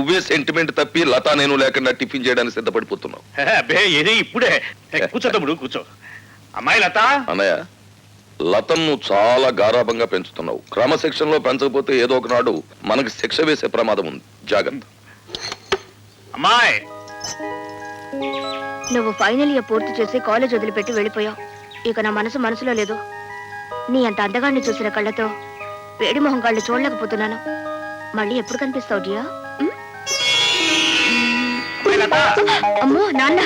నువ్వే సెంటిమెంట్ తప్పి లతా నేను లేకుండా టిఫిన్ చేయడానికి సిద్ధపడిపోతున్నావు. అబ్బే ఏది ఇప్పుడే కూర్చో తమ్ముడు కూర్చో. అమ్మాయి లత. అన్నయ్య, లతను నువ్వు చాలా గారాభంగా పెంచుతున్నావు. క్రమశిక్షణలో పెంచకపోతే ఏదో ఒకనాడు మనకి శిక్ష వేసే ప్రమాదం ఉంది, జాగ్రత్త. అమ్మాయి, నువ్వు ఫైనల్ ఇయర్ పూర్తి చేసి కాలేజ్ వదిలిపెట్టి వెళ్ళిపోయావు. ఇక నా మనసులో లేదు. నీ అంత అందగాన్ని చూసిన కళ్ళతో వేడి మొహం కళ్ళు చూడలేకపోతున్నాను. మళ్ళీ ఎప్పుడు కనిపిస్తావు డియా? అమ్మో నాన్న.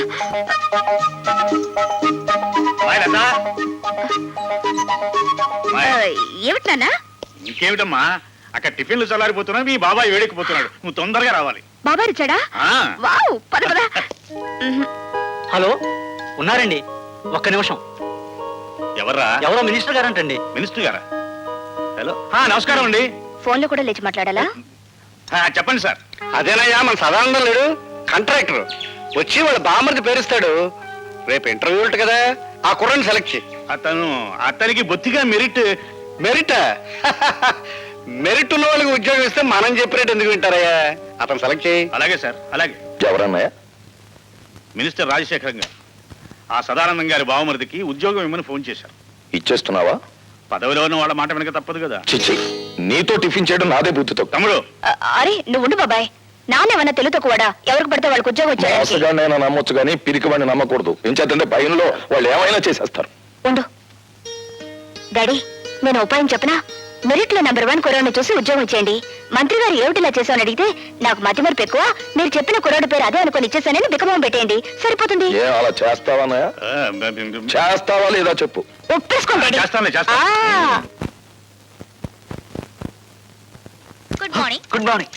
ఏమిటి నాన్న? ఇంకేమిటమ్మా, అక్కడ టిఫిన్లు చల్లారిపోతున్నా, మీ బాబాయ్ వేడెక్కిపోతున్నాడు. నువ్వు తొందరగా రావాలి. బాబాయ్ వచ్చాడా? వావ్, పద పద. హలో, ఉన్నారండి? ఒక్క నిమిషం. ఎవర్రా? ఎవరో మినిస్టర్ గారంటండి. మినిస్టర్ గారా? హలో, నమస్కారం అండి. ఫోన్ లో కూడా లేచి మాట్లాడాలా? చెప్పండి సార్. అదేనయ్యా, మన సదానందం లేడు, కాంట్రాక్టర్ వచ్చి వాళ్ళ బామ్మర్ది పేరుస్తాడు. రేపు ఇంటర్వ్యూ ఉంటుంది కదా, ఆ కుర్రని సెలెక్ట్ చేయి. అతనికి బొత్తిగా మెరిట్. మెరిట్ ఉన్న వాళ్ళకి ఉద్యోగం ఇస్తే మనం చెప్పినట్టు ఎందుకు వింటారయ్యా? అతను సెలెక్ట్ చేయి. అలాగే సార్, అలాగే. ఎవరన్నాయా? మినిస్టర్ రాజశేఖరం గారు ఆ సదానందం గారి బావమరిదికి ఉద్యోగం ఇమ్మని ఫోన్ చేశారు. ఇచ్చేస్తున్నావా? పదవిలో ఉన్న వాళ్ళ మాట వెనక తప్పదు కదా. చిచ్చి, నీతో టిఫిన్ చేయడం నాదే బుద్ధితో. తమ్ముడు, అరే నువ్వు ఉండు బాబాయ్. నానేమన్నా తెలుతో కూడా ఎవరికి పడితే వాళ్ళకి ఉద్యోగం వచ్చాడు. నేను నమ్మొచ్చు కానీ పిరికివాడిని నమ్మకూడదు. ఏం చేద్దంటే భయంలో వాళ్ళు ఏమైనా చేసేస్తారు. ఉండు డాడీ, నేను ఉపాయం చెప్పనా? మెరిట్ లో నెంబర్ 1 కుర్రాడిని చూసి ఉద్యోగం ఇచ్చేయండి. మంత్రి గారు ఏమిటిలా చేశామని అడిగితే నాకు మతి మరపు ఎక్కువ, మీరు చెప్పిన కుర్రాడి పేరు అదే అనుకుని ఇచ్చేసానని బికమం పెట్టేయండి, సరిపోతుంది. అలా చేస్తావా? చేస్తావా లేదా చెప్పు. ఒప్పేసుకోండి. Good morning. Good morning.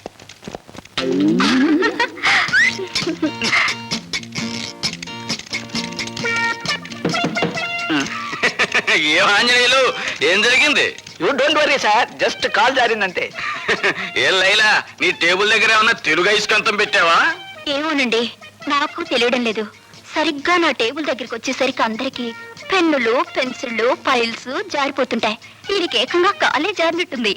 ఏం ఆంజనేయులు, ఏం జరిగింది? You don't worry sir, just call జారిందంటే. ఏం లైలా, నీ టేబుల్ దగ్గర ఏమన్నా తెలుగు ఐస్కంతం పెట్టావా? ఏమోనండి, నాకు తెలియడం లేదు. సరిగ్గా నా టేబుల్ దగ్గరికి వచ్చేసరికి అందరికి పెన్నులు, పెన్సిళ్ళు, ఫైల్స్ జారిపోతుంటాయి. వీడికి ఏకంగా కాలే జారినట్టుంది.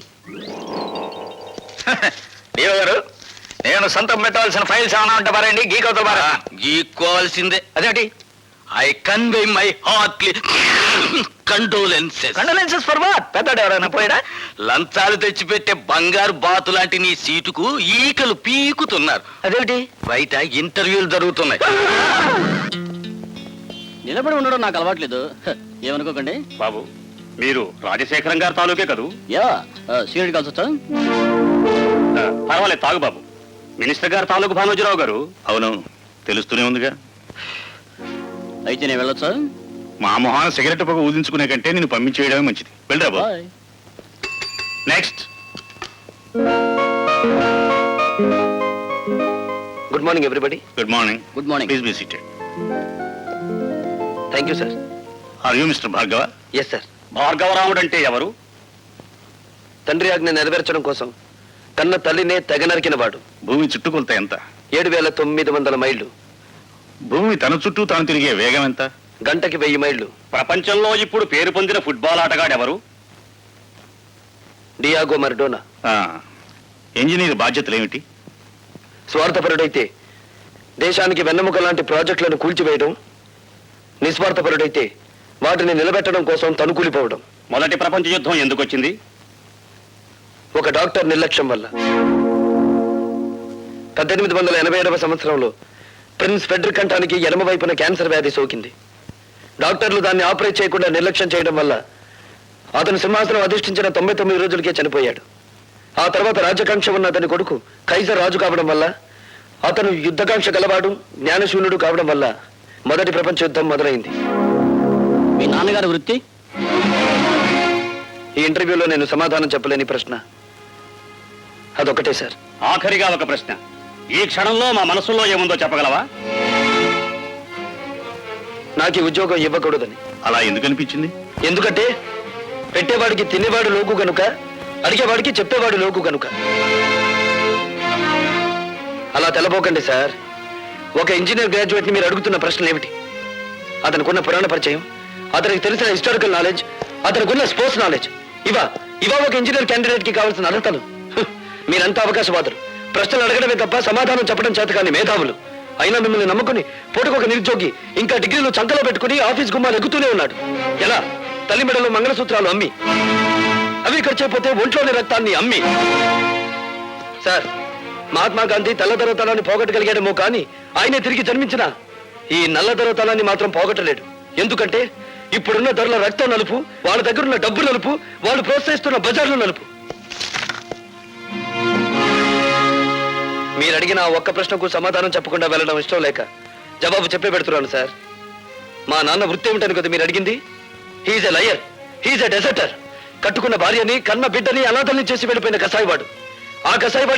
దేవ గారు, నేను సొంతం పెట్టవలసిన ఫైల్స్ ఏమైనా ఉంటే పారండి. గీకవుతా గీక్కోవాల్సిందే. అదేంటి? I convey my heartly condolences. Condolences for what? పెద్దడు ఎవరైనా పోయాడా? లంచాలు తెచ్చిపెట్టే బంగారు బాతు లాంటి నీ సీటుకు ఈకలు పీకుతున్నారు. అదేంటి? బయట ఇంటర్వ్యూలు జరుగుతున్నాయి. నిలబడి ఉండడం నాకు అలవాట్లేదు, ఏమనుకోకండి. బాబు, మీరు రాజశేఖరం గారి తాలూకే కదూ? యా, సీనియర్ కాల్స్ వచ్చా? పర్వాలేదు, తాగు బాబు. మినిస్టర్ గారు తాలూకు భానోజీరావు గారు. అవును, తెలుస్తూనే ఉందిగా. అయితే నేను వెళ్ళొచ్చా? మా మొహాన సిగరెట్ పొగ ఊదించుకునే కంటే నేను పంపించేయడమే మంచిది. వెళ్ళరా బాబు. Next. Good morning everybody. Good morning. Good morning. Please be seated. Thank you sir. Are you mister Bhargava? Yes sir. Bhargavaramudu అంటే ఎవరు? తండ్రి ఆజ్ఞ నెరవేర్చడం కోసం కన్న తల్లినే తెగ నరికిన వాడు. భూమి చుట్టుకొలత ఎంత? 7,900 మైళ్ళు. భూమి తన చుట్టూ తాను తిరిగే వేగం ఎంత? గంటకి 1000 మైళ్ళు. ప్రపంచంలో ఇప్పుడు పేరు పొందిన ఫుట్బాల్ ఆటగాడెవరు? Diego Maradona. ఇంజనీర్ బాధ్యతలు ఏమిటి? స్వార్థపరుడైతే దేశానికి వెన్నెముక లాంటి ప్రాజెక్టులను కూల్చివేయడం, నిస్వార్థపరుడైతే వాటిని నిలబెట్టడం కోసం తనుకూలిపోవడం. మొదటి ప్రపంచ యుద్ధం ఎందుకు వచ్చింది? ఒక డాక్టర్ నిర్లక్ష్యం వల్ల. 1887వ సంవత్సరంలో ప్రిన్స్ ఫెడ్రిక్ కంఠానికి ఎడమ వైపున క్యాన్సర్ వ్యాధి సోకింది. డాక్టర్లు దాన్ని ఆపరేట్ చేయకుండా నిర్లక్ష్యం చేయడం వల్ల అతను సింహాసనం అధిష్ఠించిన 99 రోజులకే చనిపోయాడు. ఆ తర్వాత రాజకాంక్ష ఉన్న అతని కొడుకు కైజర్ రాజు కావడం వల్ల, అతను యుద్ధకాంక్ష గలవాడు, జ్ఞానశూన్యుడు కావడం వల్ల మొదటి ప్రపంచ యుద్ధం మొదలైంది. మీ నాన్నగారి వృత్తి? ఈ ఇంటర్వ్యూలో నేను సమాధానం చెప్పలేని ప్రశ్న అదొకటే సార్. ఆఖరిగా ఒక ప్రశ్న. ఈ క్షణంలో మా మనసులో ఏముందో చెప్పగలవా? నాకు ఈ ఉద్యోగం ఇవ్వకూడదని. అలా ఎందుకు అనిపించింది? ఎందుకంటే పెట్టేవాడికి తినేవాడు లోకు గనుక, అడిగేవాడికి చెప్పేవాడు లోకు గనుక. అలా తెలబోకండి సార్. ఒక ఇంజనీర్ గ్రాడ్యుయేట్ ని మీరు అడుగుతున్న ప్రశ్నలు ఏమిటి? అతనికున్న పురాణ పరిచయం, అతనికి తెలిసిన హిస్టారికల్ నాలెడ్జ్, అతనికున్న స్పోర్ట్స్ నాలెడ్జ్, ఇవా ఒక ఇంజనీర్ క్యాండిడేట్ కి కావాల్సిన అర్హతలు. మీరంతా అవకాశవాదులు. ప్రశ్నలు అడగడమే తప్ప సమాధానం చెప్పడం చేత కాని మేధావులు. అయినా మిమ్మల్ని నమ్ముకుని పూటకొక నిరుద్యోగి ఇంకా డిగ్రీలు చంకలో పెట్టుకుని ఆఫీస్ గుమ్మాలు ఎగుతూనే ఉన్నాడు. ఎలా? తల్లి మెడలో మంగళసూత్రాలు అమ్మి, అవి ఖర్చైపోతే ఒంట్లోని రక్తాన్ని అమ్మి. సార్, మహాత్మా గాంధీ తెల్లదొరతనాన్ని పోగొట్టగలిగాడేమో కానీ ఆయనే తిరిగి జన్మించిన ఈ నల్లదొరతనాన్ని మాత్రం పోగొట్టలేడు. ఎందుకంటే ఇప్పుడున్న ధరల రక్తం నలుపు, వాళ్ళ దగ్గరున్న డబ్బు నలుపు, వాళ్ళు ప్రోత్సహిస్తున్న బజార్లు నలుపు. మీరు అడిగిన ఆ ఒక్క ప్రశ్నకు సమాధానం చెప్పకుండా వెళ్ళడం ఇష్టం లేక జవాబు చెప్పే పెడుతున్నాను సార్. మా నాన్న వృత్తి ఏమిటని కదా మీరు అడిగింది? He's a liar, he's a deserter. కట్టుకున్న భార్యని, కన్న బిడ్డని అనాథల్ని చేసి వెళ్ళిపోయిన కసాయివాడు. ఆ కసాయివాడు